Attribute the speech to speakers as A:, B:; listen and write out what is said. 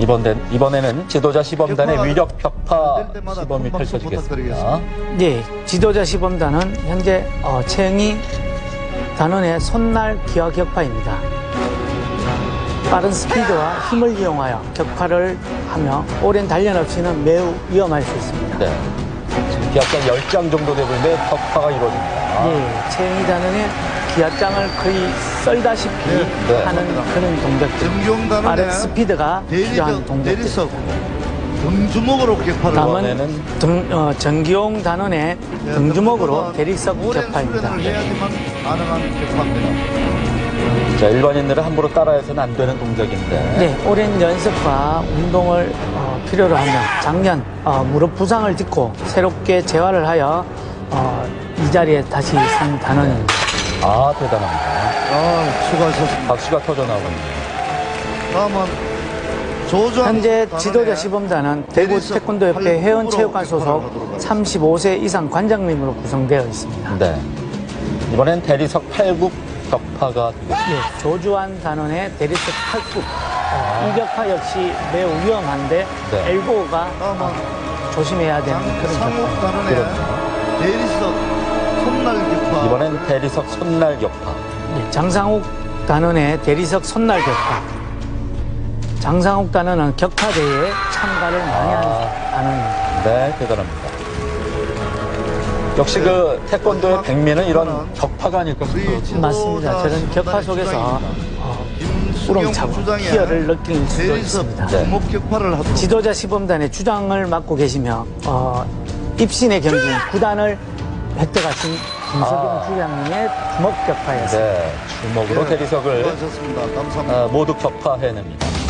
A: 이번에는 지도자 시범단의 위력 격파 시범이 펼쳐지겠습니다.
B: 네, 지도자 시범단은 현재 최영희 단원의 손날 기화 격파입니다. 빠른 스피드와 힘을 이용하여 격파를 하며 오랜 단련 없이는 매우 위험할 수 있습니다.
A: 네. 지금 기압장 10장 정도 되는데 격파가 이루어집니다.
B: 네, 최영희 단원의 기압장을 거의 썰다시피 하는 그런 동작들. 빠른 스피드가 필요한 동작들.
C: 등주먹으로 격파를
B: 다음은 정기용 단원의 등주먹으로 대리석 격파입니다.
C: 해야지만 가능한 격파입니다.
A: 자, 일반인들은 함부로 따라해서는 안 되는 동작인데.
B: 네, 오랜 연습과 운동을 필요로 하며 작년 무릎 부상을 딛고 새롭게 재활을 하여 이 자리에 다시 선 단원입니다.
A: 아, 대단합니다.
C: 수고하셨습니다.
A: 박수가 터져나오네요.
C: 다음은
B: 현재 지도자 시범단은 대구 태권도협회 회원체육관 소속 35세 이상 관장님으로 구성되어 있습니다.
A: 네. 이번엔 대리석 8국 격파가 되겠습니다.
B: 네, 조주환 단원의 대리석 8국. 이 격파 역시 매우 위험한데
A: 네.
B: 엘보가 조심해야 되는 그런
C: 장상욱
B: 격파입니다.
C: 단원의 대리석 손날 격파.
A: 이번엔 대리석 손날 격파.
B: 네, 장상욱 단원의 대리석 손날 격파. 장상욱 단원은 격파대회에 참가를 많이 하는 단원입니다.
A: 네, 대단합니다. 역시 그 태권도의 백미는 이런 격파가 아닐까 싶어요.
B: 맞습니다. 저는 격파 속에서 우렁차고 희열을 느낄 수도 있습니다.
C: 주먹 격파를 하도록.
B: 지도자 시범단의 주장을 맡고 계시며 입신의 경기인 9단을 획득하신 김석영 주장님의 주먹 격파였습니다.
A: 네, 주먹으로 대리석을
C: 수고하셨습니다. 감사합니다.
A: 모두 격파해냅니다.